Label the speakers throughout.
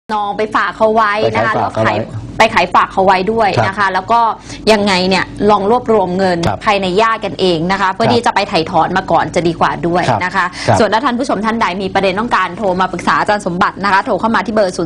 Speaker 1: นองไปฝากเขาไว้นะคะแล้วไปขายฝากเขาไว้ด้วยนะคะแล้วก็ยังไงเนี่ยลองรวบรวมเงินภายในญาติกันเองนะคะเพื่อที่จะไปไถ่ถอนมาก่อนจะดีกว่าด้วยนะคะส่วนถ้าท่านผู้ชมท่านใดมีประเด็นต้องการโทรมาปรึกษาอาจารย์สมบัตินะคะโทรเข้ามาที่เบอร์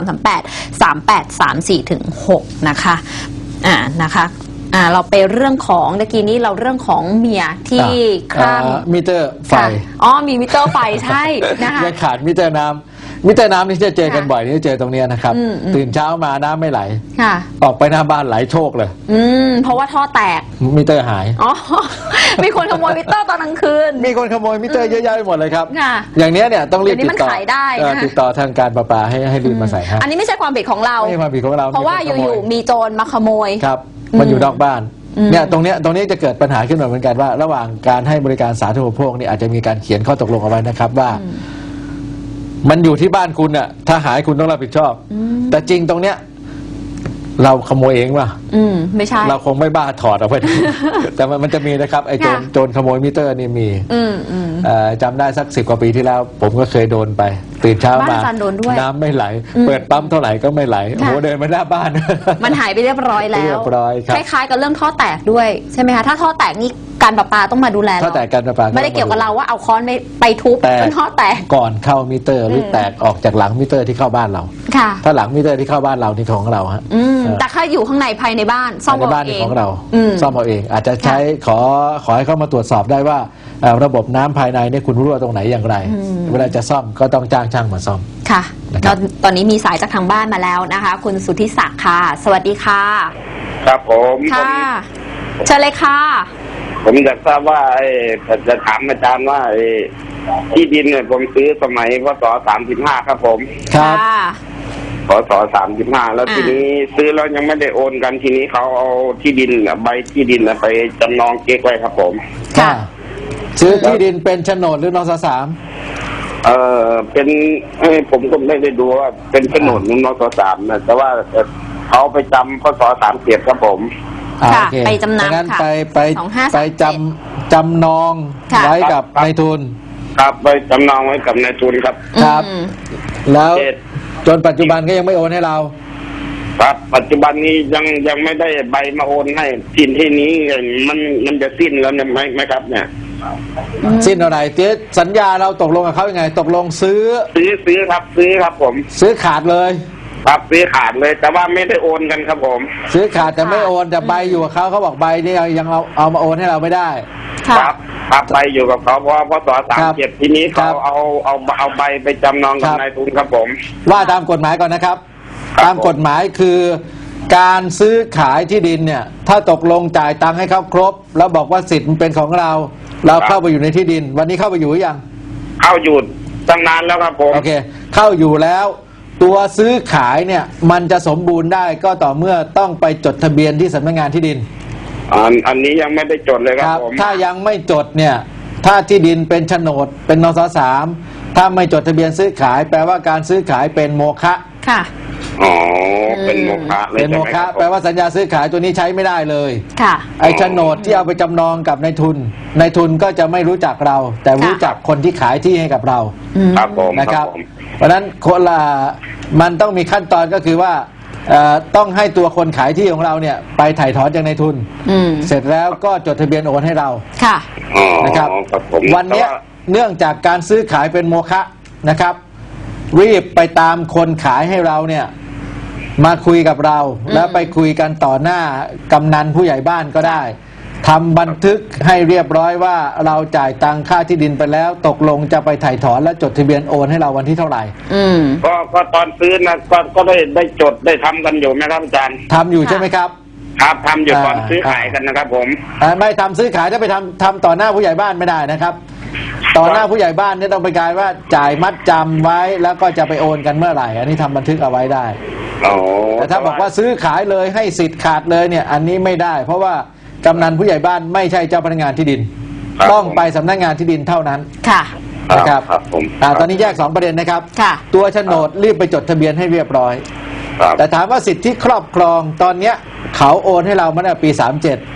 Speaker 1: 02-338-3834-6 นะคะนะคะเราไปเรื่องของเมื่อกี้นี้เราเรื่องของเมียที่ข้าม
Speaker 2: มิเตอร์ไฟ
Speaker 1: มีมิเตอร์ไฟใช่นะคะ
Speaker 2: ยังขาดมิเตอร์น้ำนี่จะเจอกันบ่อยนี่เจอตรงนี้นะครับตื่นเช้ามาน้ำไม่ไหลออกไปหน้าบ้านไหลโชคเลย
Speaker 1: เพราะว่าท่อแตก
Speaker 2: มิเตอร์หาย
Speaker 1: มีคนขโมยมิเตอร์ตอนกลางคืน
Speaker 2: มีคนขโมยมิเตอร์เยอะแยะไปหมดเลยครับอย่างนี้เนี่ยต้องรีบติดต่อติดต่อทางการประปาให้รีบมาใส่ให้
Speaker 1: อันนี้ไม่ใช่ความผิดของเรา
Speaker 2: ไม่ใช่ความผิดของเรา
Speaker 1: เพราะว่าอยู่ๆมีโจรมาขโมย
Speaker 2: ครับมันอยู่นอกบ้านเนี่ยตรงนี้จะเกิดปัญหาขึ้นมาเหมือนกันว่าระหว่างการให้บริการสาธารณูปโภคนี่อาจจะมีการเขียนข้อตกลงเอาไว้นะครับว่ามันอยู่ที่บ้านคุณน่ะถ้าหายคุณต้องรับผิดชอบแต่จริงตรงเนี้ยเราขโมยเองป่ะ
Speaker 1: ไม่ใช่
Speaker 2: เราคงไม่บ้าถอดเอาไปแต่มันจะมีนะครับไอ้โจรขโมยมิเตอร์นี่มีจำได้สัก10 กว่าปีที่แล้วผมก็เคยโดนไปตื่นเช้ามาน้ำไม่ไหลเปิดปั๊มเท่าไหร่ก็ไม่ไหลโอ้โหเดินมาหน้าบ้าน
Speaker 1: มันหายไปเรียบร้อยแล้วคล้ายๆกับเรื่องท่อแตกด้วยใช่ไหมคะถ้าท่อแตกนี่การประปาต้องมาดูแล
Speaker 2: ท่อแตกการประปา
Speaker 1: ไม่ได้เกี่ยวกับเราว่าเอาค้อนไปทุบจนท่อแตก
Speaker 2: ก่อนเข้ามิเตอร์หรือแตกออกจากหลังมิเตอร์ที่เข้าบ้านเราถ้าหลังมิเตอร์ที่เข้าบ้านเรานี่ของเราฮะ
Speaker 1: แต่ถ้าอยู่ข้างในภายในบ้านซ่อมเอาเอง
Speaker 2: ของเราซ่อมเอาเองอาจจะใช้ขอให้เข้ามาตรวจสอบได้ว่าระบบน้ำภายในเนี่ยคุณรั่วตรงไหนอย่างไรเวลาจะซ่อมก็ต้องจ้างช่างมาซ่อม
Speaker 1: ค่ะตอนนี้มีสายจากทางบ้านมาแล้วนะคะคุณสุทธิศักดิ์ค่ะสวัสดีค่ะ
Speaker 3: ครับผม
Speaker 1: ค่ะเชิญเลยค่ะ
Speaker 3: ผมอยากทราบว่าจะถามอาจารย์ว่าที่ดินเนี่ยผมซื้อสมัยพศ35ครับผม
Speaker 2: ครับ
Speaker 3: พศ35แล้วทีนี้ซื้อแล้วยังไม่ได้โอนกันทีนี้เขาเอาที่ดินใบที่ดินไปจำนองเก๊กไว้ครับผม
Speaker 2: ค่ะซื้อที่ดินเป็นโฉนดหรือนสสาม
Speaker 3: เป็นผมก็ไม่ได้ดูว่าเป็นโฉนดหรือนสสามนะแต่ว่าเขาไปจำพศ37ครับผม
Speaker 1: ไปจำนำ
Speaker 2: ค่ะไปจำนองไว้กับนายทุน
Speaker 3: ครับไปจำนองไว้กับนายทุนครับ
Speaker 2: ครับแล้วจนปัจจุบันก็ยังไม่โอนให้เรา
Speaker 3: ครับปัจจุบันนี้ยังไม่ได้ใบมาโอนให้ที่นี้มันจะสิ้นแล้วเนี่ยไหมครับเนี่ย
Speaker 2: สิ้นอะไรเจ๊สัญญาเราตกลงกับเขายังไงตกลงซื้อ
Speaker 3: ครับผม
Speaker 2: ซื้อขาดเลย
Speaker 3: ครับซื้อขาดเลยแต่ว่าไม่ได้โอนกันครับผม
Speaker 2: ซื้อขาดแต่ไม่โอนแต่ใบอยู่กับเขาบอกใบนี่ยังเอามาโอนให้เราไม่ได้
Speaker 3: ครับใบอยู่กับเขาเพราะพศ37ทีนี้เขาเอาใบไปจำนองกับนายทุนครับผม
Speaker 2: ว่าตามกฎหมายก่อนนะครับตามกฎหมายคือการซื้อขายที่ดินเนี่ยถ้าตกลงจ่ายตังค์ให้เขาครบแล้วบอกว่าสิทธิ์มันเป็นของเราเข้าไปอยู่ในที่ดินวันนี้เข้าไปอยู่หรือยัง
Speaker 3: เข้าอยู่ตั้งนานแล้วครับผม
Speaker 2: โอเคเข้าอยู่แล้วตัวซื้อขายเนี่ยมันจะสมบูรณ์ได้ก็ต่อเมื่อต้องไปจดทะเบียนที่สำนักงานที่ดิน
Speaker 3: อันนี้ยังไม่ได้จดเลยครับผม
Speaker 2: ถ้ายังไม่จดเนี่ยถ้าที่ดินเป็นโฉนดเป็นนสสามถ้าไม่จดทะเบียนซื้อขายแปลว่าการซื้อขายเป็นโมฆะ
Speaker 1: ค่ะ
Speaker 3: อ๋อเป็นโมฆะ
Speaker 2: เป็นโมฆะแปลว่าสัญญาซื้อขายตัวนี้ใช้ไม่ได้เลย
Speaker 1: ค่ะ
Speaker 2: ไอ้โฉนดที่เอาไปจำนองกับนายทุนก็จะไม่รู้จักเราแต่รู้จักคนที่ขายที่ให้กับเรา
Speaker 3: ครับผม
Speaker 2: นะครับเพราะฉะนั้นคนละมันต้องมีขั้นตอนก็คือว่าต้องให้ตัวคนขายที่ของเราเนี่ยไปถ่ายถอนจากนายทุนเสร็จแล้วก็จดทะเบียนโอนให้เรา
Speaker 1: ค่ะ
Speaker 2: นะครับวันนี้เนื่องจากการซื้อขายเป็นโมฆะนะครับรีบไปตามคนขายให้เราเนี่ยมาคุยกับเราแล้วไปคุยกันต่อหน้ากำนันผู้ใหญ่บ้านก็ได้ทำบันทึกให้เรียบร้อยว่าเราจ่ายตังค่าที่ดินไปแล้วตกลงจะไปถ่ายถอนและจดทะเบียนโอนให้เราวันที่เท่าไหร่
Speaker 3: ก็ตอนซื้อนะก็ได้จดได้ทำกันอยู่ไหมครับอาจารย์
Speaker 2: ทำอยู่ใช่ไหมครับ
Speaker 3: ครับทำอยู่ตอนซื้อขายกันนะครับผม
Speaker 2: ไม่ทำซื้อขายถ้าไปทำต่อหน้าผู้ใหญ่บ้านไม่ได้นะครับต่อหน้าผู้ใหญ่บ้านเนี่ยต้องไปกายว่าจ่ายมัดจำไว้แล้วก็จะไปโอนกันเมื่อไหร่อันนี้ทำบันทึกเอาไว้ได้แต่ถ้าบอกว่าซื้อขายเลยให้สิทธิ์ขาดเลยเนี่ยอันนี้ไม่ได้เพราะว่ากำนันผู้ใหญ่บ้านไม่ใช่เจ้าพนักงานที่ดินต้องไปสำนักงานที่ดินเท่านั้น
Speaker 1: ค่ะ
Speaker 2: นะครับตอนนี้แยก2ประเด็นนะครับตัวโฉนดรีบไปจดทะเบียนให้เรียบร้อยแต่ถามว่าสิทธิครอบครองตอนเนี้ยเขาโอนให้เรามาตั้งแต่ปี37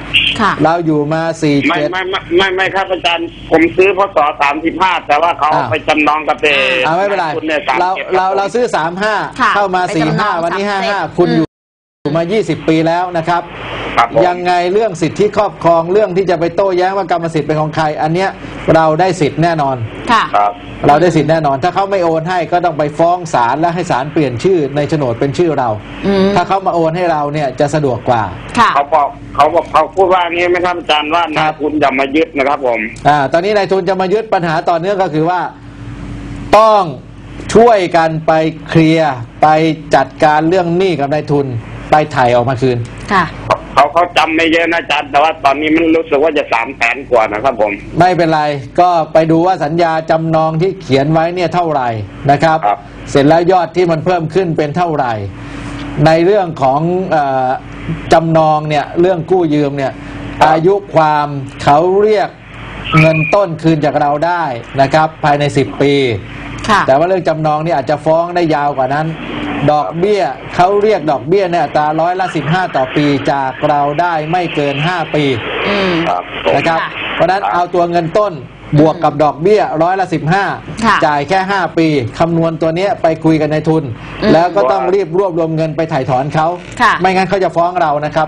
Speaker 2: เราอยู่มา47
Speaker 3: ไม่ครับอาจารย์ผมซื้อพศ35แต่ว่าเขาไปจำนองกับ
Speaker 2: ไม่เป็นไรเราซื้อ35เข้ามา45วันนี้55คุณอยู่มา20ปีแล้วนะครับยังไงเรื่องสิทธิครอบครองเรื่องที่จะไปโต้แย้งว่ากรรมสิทธิ์เป็นของใครอันเนี้ยเราได้สิทธิ์แน่นอนเราได้สิทธิ์แน่นอนถ้าเขาไม่โอนให้ก็ต้องไปฟ้องศาลและให้ศาลเปลี่ยนชื่อในโฉนดเป็นชื่อเราถ้าเขามาโอนให้เราเนี่ยจะสะดวกกว่า
Speaker 3: เขาพูดว่างี้ไหมครับอาจารย์ว่านายทุนจะมายึดนะครับผม
Speaker 2: ตอนนี้นายทุนจะมายึดปัญหาต่อเนื่องก็คือว่าต้องช่วยกันไปเคลียร์ไปจัดการเรื่องหนี้กับนายทุนไปไถ่ออกมาคืน
Speaker 3: เขาจำไม่เยอะนะอาจารย์แต่ว่าตอนนี้มันรู้สึกว่าจะ300,000 กว่านะครับผม
Speaker 2: ไม่เป็นไรก็ไปดูว่าสัญญาจำนองที่เขียนไว้เนี่ยเท่าไหร่นะครับเสร็จแล้วยอดที่มันเพิ่มขึ้นเป็นเท่าไหร่ในเรื่องของจำนองเนี่ยเรื่องกู้ยืมเนี่ยอายุความเขาเรียกเงินต้นคืนจากเราได้นะครับภายใน10 ปีแต่ว่าเรื่องจำนองนี่อาจจะฟ้องได้ยาวกว่านั้นดอกเบี้ยเขาเรียกดอกเบี้ยเนี่ยอัตรา15%ต่อปีจากเราได้ไม่เกิน5 ปีนะครับเพราะนั้นเอาตัวเงินต้นบวกกับดอกเบี้ย15%จ่ายแค่5 ปีคำนวณตัวนี้ไปคุยกันในทุนแล้วก็ต้องรีบรวบรวมเงินไปถ่ายถอนเขาไม่งั้นเขาจะฟ้องเรานะครับ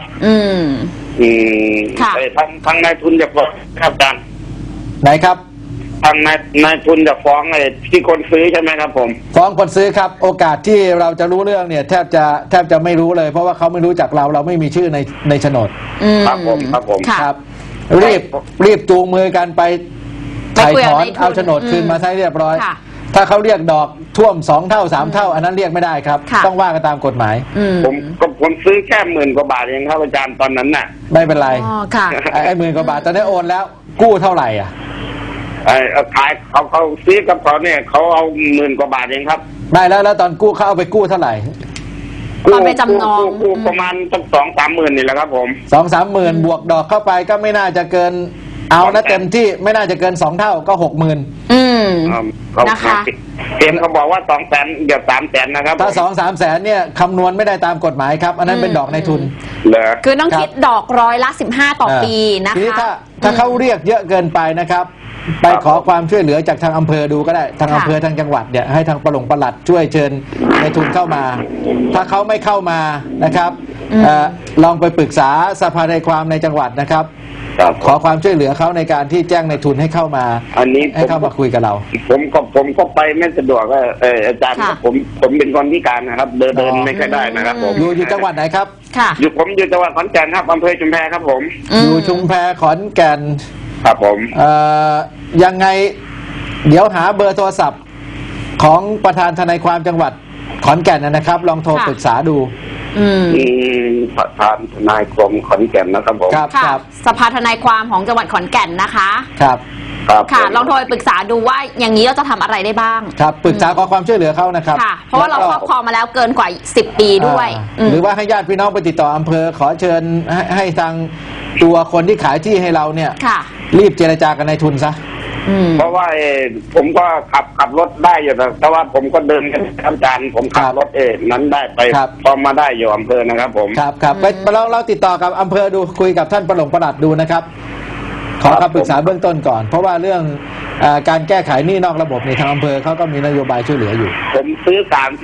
Speaker 3: ทางนายทุนจะฟ้องครับอาจารย์
Speaker 2: ไหนครับ
Speaker 3: ทางนายทุนจะฟ้องไอ้ที่คนซื้อใช่ไหมครับผม
Speaker 2: ฟ้องคนซื้อครับโอกาสที่เราจะรู้เรื่องเนี่ยแทบจะไม่รู้เลยเพราะว่าเขาไม่รู้จักเราไม่มีชื่อในโฉนด
Speaker 3: ครับผม
Speaker 2: ครับรีบจูงมือกันไปถ่ายถอนเอาโฉนดคืนมาใช้เรียบร้อยถ้าเขาเรียกดอกท่วม2 เท่า 3 เท่าอันนั้นเรียกไม่ได้ครับต้องว่ากันตามกฎหมาย
Speaker 3: ผมซื้อแค่10,000 กว่าบาทเองครับอาจารย์ตอนนั้นน่ะ
Speaker 2: ไม่เป็นไรไอ้10,000 กว่าบาทตอนนี้โอนแล้วกู้เท่าไหร่อ่ะ
Speaker 3: ขายเขาซื้อกับเขาเนี่ยเขาเอา10,000 กว่าบาทเองครับ
Speaker 2: ได้แล้วตอนกู้เขาเอาไปกู้เท่าไหร่
Speaker 1: ตอนไปจำนอง
Speaker 3: กู้ประมาณ2-3 หมื่นนี่แหละครับผม
Speaker 2: 2-3 หมื่นบวกดอกเข้าไปก็ไม่น่าจะเกินเอานะเต็มที่ไม่น่าจะเกิน2 เท่าก็60,000
Speaker 3: นะคะเต็มเขาบอกว่า200,000เดี๋ยว300,000นะครับ
Speaker 2: ถ้า2-3 แสนเนี่ยคำนวณไม่ได้ตามกฎหมายครับอันนั้นเป็นดอกในทุน
Speaker 1: คือต้องคิดดอก15%ต่อปีนะคะทีนี้
Speaker 2: ถ้าเขาเรียกเยอะเกินไปนะครับไปขอความช่วยเหลือจากทางอำเภอดูก็ได้ทางอำเภอทางจังหวัดเนี่ยให้ทางปลัดช่วยเชิญในทุนเข้ามาถ้าเขาไม่เข้ามานะครับลองไปปรึกษาสภาทนายความในจังหวัดนะครับขอความช่วยเหลือเขาในการที่แจ้งในทุนให้เข้ามา
Speaker 3: อันนี้
Speaker 2: ให้เข้ามาคุยกับเรา
Speaker 3: ผมก็ไปไม่สะดวกอาจารย์ผมเป็นคนพิการนะครับเดินไม่ค่อยได้นะครับผม
Speaker 2: อยู่จังหวัดไหนครับ
Speaker 3: ผมอยู่จังหวัดขอนแก่นครับอำเภอชุมแพครับผม
Speaker 2: อยู่ชุมแพขอนแก่น
Speaker 3: ครับผม
Speaker 2: ยังไงเดี๋ยวหาเบอร์โทรศัพท์ของประธานทนายความจังหวัดขอนแก่นนะครับลองโทรปรึกษาดู
Speaker 3: ประธานทนายความขอนแก่นนะครับผม
Speaker 2: ครับ
Speaker 1: สภาทนายความของจังหวัดขอนแก่นนะคะ
Speaker 2: ครับ
Speaker 1: ค่ะลองโทรปรึกษาดูว่าอย่างนี้เราจะทำอะไรได้บ้าง
Speaker 2: ครับปรึกษาขอความช่วยเหลือเขานะครับ
Speaker 1: เพราะว่าเราครอบครองมาแล้วเกินกว่า10 ปีด้วย
Speaker 2: หรือว่าให้ญาติพี่น้องไปติดต่ออำเภอขอเชิญให้ทางตัวคนที่ขายที่ให้เราเนี่ยรีบเจรจากันในทุนซะ
Speaker 3: เพราะว่าผมก็ขับรถได้อยู่แต่ว่าผมก็เดินกันอาจารย์ผมขับรถนั้นได้ไปพอมาได้อยู่อำเภอนะครับผม
Speaker 2: ครับไปเราติดต่อกับอำเภอดูคุยกับท่านปลัดดูนะครับขอคำปรึกษาเบื้องต้นก่อนเพราะว่าเรื่องการแก้ไขหนี้นอกระบบในทางอำเภอเขาก็มีนโยบายช่วยเหลืออยู่
Speaker 3: ผมซื้อ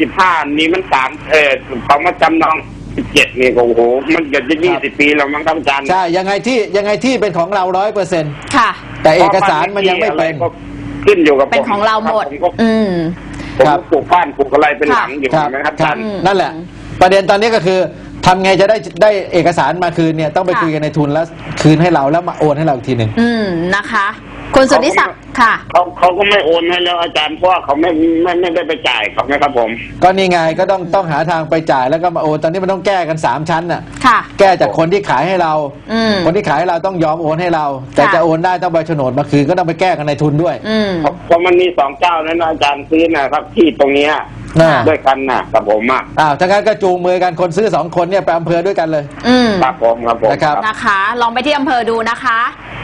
Speaker 3: 35นี้มันเขามาจำนอง17นี่โอ้โหมันเกือบจะ20 ปีแล้วมั้งครับอาจารย์
Speaker 2: ใช่ยังไงที่เป็นของเรา100%
Speaker 1: ค่ะ
Speaker 2: แต่เอกสารมันยังไม่เป็น
Speaker 3: ขึ้นอยู่กับ
Speaker 1: เป็นของเราหมด
Speaker 3: ผมปลูกบ้านปลูกอะไรเป็นหลังอยู่นะครับอาจารย์
Speaker 2: นั่นแหละประเด็นตอนนี้ก็คือทำไงจะได้เอกสารมาคืนเนี่ยต้องไปคุยกันในทุนแล้วคืนให้เราแล้วมาโอนให้เราอีกทีหนึ่ง
Speaker 1: นะคะคุณสุทธิศักดิ์ค่ะ
Speaker 3: เขาก็ไม่โอนให้แล้วอาจารย์เพราะเขาไม่ได้ไปจ่ายเขาไหมครับผม
Speaker 2: ก็นี่ไงก็ต้องหาทางไปจ่ายแล้วก็มาโอนตอนนี้มันต้องแก้กัน3 ชั้นน่ะแก้จากคนที่ขายให้เราคนที่ขายให้เราต้องยอมโอนให้เราแต่จะโอนได้ต้องใบโฉนดมาคืนก็ต้องไปแก้กันในทุนด้วย
Speaker 3: เพราะมันมี2 เจ้านั้นอาจารย์ซื้อนะครับที่ตรงนี้ด้วยกันกับผม
Speaker 2: ถ้างั้นก็จูงมือกันคนซื้อ2 คนเนี่ยไปอำเภอด้วยกันเลย
Speaker 3: ครับผม
Speaker 2: นะครับ
Speaker 1: ลองไปที่อำเภอดูนะคะ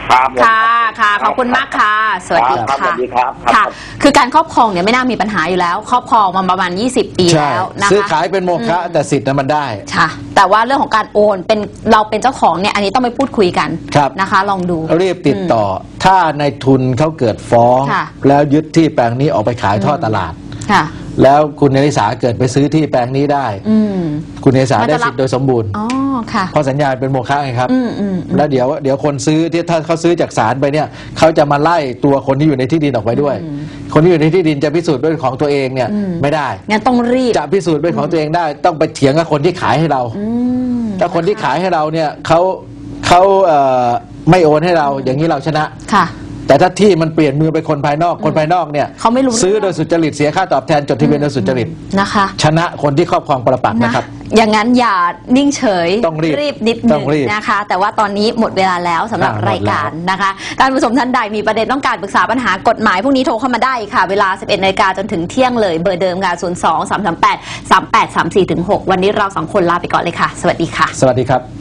Speaker 3: ครับผม
Speaker 1: ค่ะขอบคุณมากค่ะสวัสดี
Speaker 3: ครับส
Speaker 1: ค่ะ
Speaker 3: วัสดีครับ
Speaker 1: ค่ะ คือการครอบครองเนี่ยไม่น่ามีปัญหาอยู่แล้ว ครอบครองมาประมาณ20 ปี
Speaker 2: ใช่
Speaker 1: แล้วนะคะ
Speaker 2: ซื้อขายเป็นโมฆะแต่สิทธิ์นั้นมันได้
Speaker 1: ค่ะแต่ว่าเรื่องของการโอนเป็นเราเป็นเจ้าของเนี่ยอันนี้ต้องไปพูดคุยกัน
Speaker 2: ครับ
Speaker 1: นะคะ ลองดู
Speaker 2: รีบติดต่ออถ้าในทุนเขาเกิดฟ้อง
Speaker 1: ค่ะ
Speaker 2: แล้วยึดที่แปลงนี้ออกไปขายทอดตลาด
Speaker 1: ค่ะ
Speaker 2: แล้วคุณเนริสาเกิดไปซื้อที่แปลงนี้ได้
Speaker 1: อืม
Speaker 2: คุณเนริสา
Speaker 1: มัน
Speaker 2: ได้
Speaker 1: จะรับ
Speaker 2: สิทธิ์โดยสมบูรณ์
Speaker 1: อ๋อค่ะ
Speaker 2: เพราะสัญญาเป็นโมฆะไงครับ
Speaker 1: อืม
Speaker 2: แล้วเดี๋ยวคนซื้อที่ถ้าเขาซื้อจากศาลไปเนี่ยเขาจะมาไล่ตัวคนที่อยู่ในที่ดินออกไปด้วย คนที่อยู่ในที่ดินจะพิสูจน์ด้วยของตัวเองเนี่ยไม่ได้
Speaker 1: งั้นต้องรีบ
Speaker 2: จะพิสูจน์เป็นของตัวเองได้ ต้องไปเถียงกับคนที่ขายให้เรา ถ้าคนที่ขายให้เราเนี่ยเขาไม่โอนให้เราอย่างนี้เราชนะ
Speaker 1: ค่ะ
Speaker 2: แต่ถ้าที่มันเปลี่ยนมือไปคนภายนอกคนภายนอกเนี่ย
Speaker 1: เขาไม่รู้
Speaker 2: ซื้อโดยสุจริตเสียค่าตอบแทนจดทะเบียนโดยสุจริต
Speaker 1: นะคะ
Speaker 2: ชนะคนที่ครอบครองปรปักษ์นะครับ
Speaker 1: อย่างนั้นอย่านิ่งเฉย
Speaker 2: ต้องรีบ
Speaker 1: นิดนึ
Speaker 2: ต้อง งรีบ
Speaker 1: นะคะ แต่ว่าตอนนี้หมดเวลาแล้วสำหรับ
Speaker 2: หมดแล้ว
Speaker 1: รายการนะคะท่านผู้ชมท่านใดมีประเด็นต้องการปรึกษาปัญหากฎหมายพวกนี้โทรเข้ามาได้ค่ะ เวลา 11 นาฬิกาจนถึงเที่ยงเลยเบอร์เดิมค่ะ 02 338 3834 6 วันนี้เราสองคนลาไปก่อนเลยค่ะ สวัสดีค่ะ
Speaker 2: สวัสดีครับ